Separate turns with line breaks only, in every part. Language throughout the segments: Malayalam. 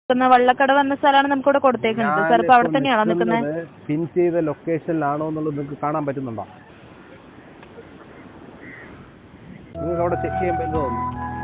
വള്ളക്കടവ് എന്ന സ്ഥലമാണ് നമുക്ക് ഇവിടെ കൊടുത്തേക്കുന്നത് സാർ. ഇപ്പൊ അവിടെ തന്നെയാണോ നിൽക്കുന്നത്?
പിൻ ചെയ്ത ലൊക്കേഷനിലാണോ എന്നുള്ളത് നിങ്ങൾക്ക് കാണാൻ പറ്റുന്നുണ്ടോ? നിങ്ങൾക്ക് അവിടെ ചെക്ക് ചെയ്യുമ്പോൾ എന്ത് തോന്നുന്നു?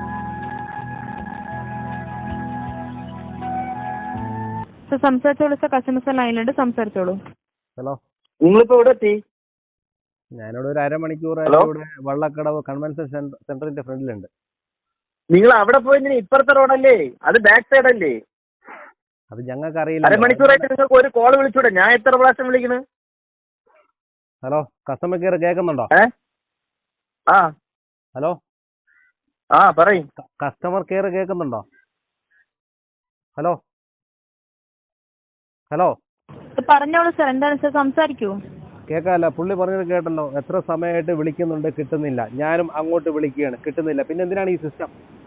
സംസാരിച്ചോളൂ സാർ. കസ്റ്റമേഴ്സ് ലൈനിലുണ്ട്, സംസാരിച്ചോളൂ.
ഹലോ,
നിങ്ങളിപ്പോ ഇവിടെ എത്തി?
ഞാനിവിടെ ഒരു അരമണിക്കൂർ ഇവിടെ വള്ളക്കടവ് കൺവെൻഷൻ സെന്ററിന്റെ ഫ്രണ്ടിലുണ്ട്.
നിങ്ങൾ അവിടെ പോയി ഇപ്പുറത്തെ റോഡല്ലേ, അത് ബാക്ക് സൈഡ് അല്ലേ?
അത് ഞങ്ങൾക്ക് അറിയില്ല.
അരമണിക്കൂറായിട്ട് നിങ്ങൾക്ക് ഒരു കോൾ വിളിച്ചൂടെ? ഞാൻ എത്ര പ്രാവശ്യം വിളിക്കുന്നു?
ഹലോ, കസ്റ്റമർ കെയർ കേൾക്കുന്നുണ്ടോ?
ആ
ഹലോ,
ആ പറയും.
കസ്റ്റമർ കെയർ കേൾക്കുന്നുണ്ടോ? ഹലോ ഹലോ
പറഞ്ഞോളൂ സാർ. എന്താണ് സാർ, സംസാരിക്കൂ.
കേൾക്കാമല്ല, പുള്ളി പറഞ്ഞത് കേട്ടല്ലോ. എത്ര സമയമായിട്ട് വിളിക്കുന്നുണ്ട്, കിട്ടുന്നില്ല. ഞാനും അങ്ങോട്ട് വിളിക്കുകയാണ്, കിട്ടുന്നില്ല. പിന്നെ എന്തിനാണ് ഈ സിസ്റ്റം?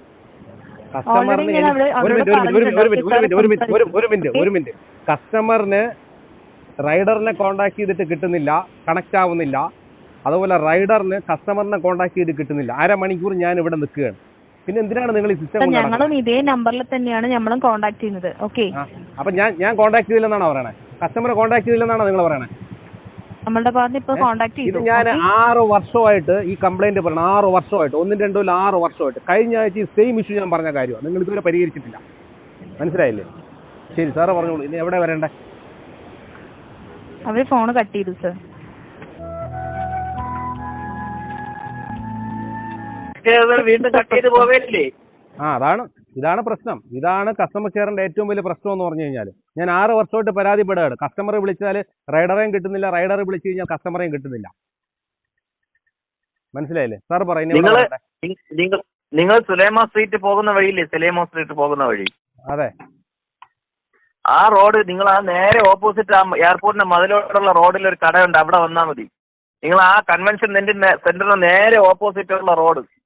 കസ്റ്റമറിന് റൈഡറിനെ കോണ്ടാക്ട് ചെയ്തിട്ട് കിട്ടുന്നില്ല, കണക്ട് ആവുന്നില്ല. അതുപോലെ റൈഡറിന് കസ്റ്റമറിനെ കോണ്ടാക്ട് ചെയ്ത് കിട്ടുന്നില്ല. അരമണിക്കൂർ ഞാൻ ഇവിടെ നിൽക്കുകയാണ്. പിന്നെ എന്തിനാണ് നിങ്ങൾ ഈ സിസ്റ്റം?
ഞങ്ങളും ഇതേ നമ്പറിൽ തന്നെയാണ് ഞമ്മളും കോണ്ടാക്ട് ചെയ്യുന്നത്. ഓക്കെ,
അപ്പൊ ഞാൻ കോണ്ടാക്ട് ചെയ്തില്ലെന്നാണോ പറയണേ? കസ്റ്റമറെ കോണ്ടാക്ട് ചെയ്തില്ലെന്നാണോ നിങ്ങൾ പറയണേ?
നമ്മളുടെ ഭാഗത്ത് ഇപ്പൊ കോണ്ടാക്ട് ചെയ്തു.
ഞാൻ 6 വർഷമായിട്ട് ഈ കംപ്ലൈന്റ് പറയണം. 6 വർഷമായിട്ട്, 1, 2, 6 വർഷമായിട്ട്. കഴിഞ്ഞ ആഴ്ച ഈ സെയിം ഇഷ്യൂ ഞാൻ പറഞ്ഞ കാര്യമാണ്. നിങ്ങൾ ഇതുവരെ പരിഹരിച്ചിട്ടില്ല. മനസ്സിലായില്ലേ? ശരി സാറ് പറഞ്ഞോളൂ. ഇനി എവിടെ വരണ്ടേ?
അവര് ഫോൺ കട്ട് ചെയ്തു സാർ.
വീണ്ടും കട്ട് ചെയ്ത് പോവേല്ലേ?
ഇതാണ് പ്രശ്നം. ഇതാണ് കസ്റ്റമർ കെയറിന്റെ ഏറ്റവും വലിയ പ്രശ്നം എന്ന് പറഞ്ഞു കഴിഞ്ഞാൽ. ഞാൻ 6 വർഷമായിട്ട് പരാതിപ്പെടുകയാണ്. കസ്റ്റമറെ വിളിച്ചാൽ റൈഡറേയും കിട്ടുന്നില്ല, റൈഡറെ വിളിച്ചു കഴിഞ്ഞാൽ കസ്റ്റമറേയും കിട്ടുന്നില്ല. മനസ്സിലായില്ലേ? സാർ പറയുന്നത്
നിങ്ങൾ സുലൈമാ സ്ട്രീറ്റ് പോകുന്ന വഴിയില്ലേ? സുലൈമാ സ്ട്രീറ്റ് പോകുന്ന വഴി.
അതെ,
ആ റോഡ് നിങ്ങൾ ആ നേരെ ഓപ്പോസിറ്റ് ആ എയർപോർട്ടിന്റെ മതിലോട്ടുള്ള റോഡിൽ ഒരു കടയുണ്ട്, അവിടെ വന്നാൽ മതി. നിങ്ങൾ ആ കൺവെൻഷൻ സെന്ററിന് നേരെ ഓപ്പോസിറ്റ് ഉള്ള റോഡ്